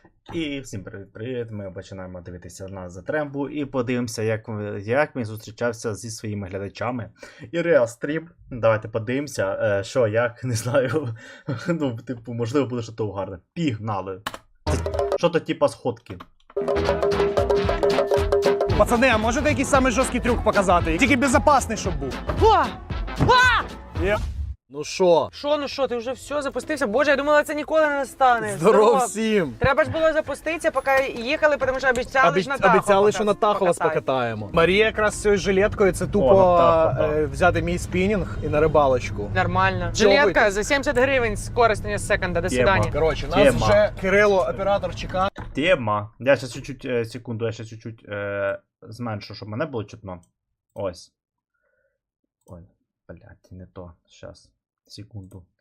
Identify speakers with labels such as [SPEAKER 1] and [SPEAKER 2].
[SPEAKER 1] І всім привіт-привіт! Ми починаємо дивитися на The Tramp і подивимося, як він зустрічався зі своїми глядачами. І Real Stream. Давайте подивимося, що, як, не знаю. Ну, типу, можливо, буде щось гарне. Пігнали! Що то типа сходки.
[SPEAKER 2] Пацани, а можете якийсь самий жорсткий трюк показати? Тільки безпечний, щоб був. Ну що?
[SPEAKER 3] Ну що, ти вже все запустився? Боже, я думала, це ніколи не стане.
[SPEAKER 2] Здоров всім!
[SPEAKER 3] Треба ж було запуститися, поки їхали, тому що обіцяли, що на Тахо.
[SPEAKER 2] Обіцяли, що на Тахо вас покатаємо. Марія якраз з цією жилеткою, це тупо взяти мій спінінг і на рибалочку.
[SPEAKER 3] Нормально.
[SPEAKER 2] Чого ви
[SPEAKER 3] Жилетка
[SPEAKER 2] тут?
[SPEAKER 3] за 70 гривень з користення з секонда. До свидання.
[SPEAKER 2] Коротше, нас
[SPEAKER 1] Тема.
[SPEAKER 2] вже Кирило, оператор, чекає.
[SPEAKER 1] Тема. Я ще чуть-чуть, секунду, я ще чуть-чуть зменшу, щоб мене було чутно. Ось. Ой, блядь, не то. Щас. Секунду.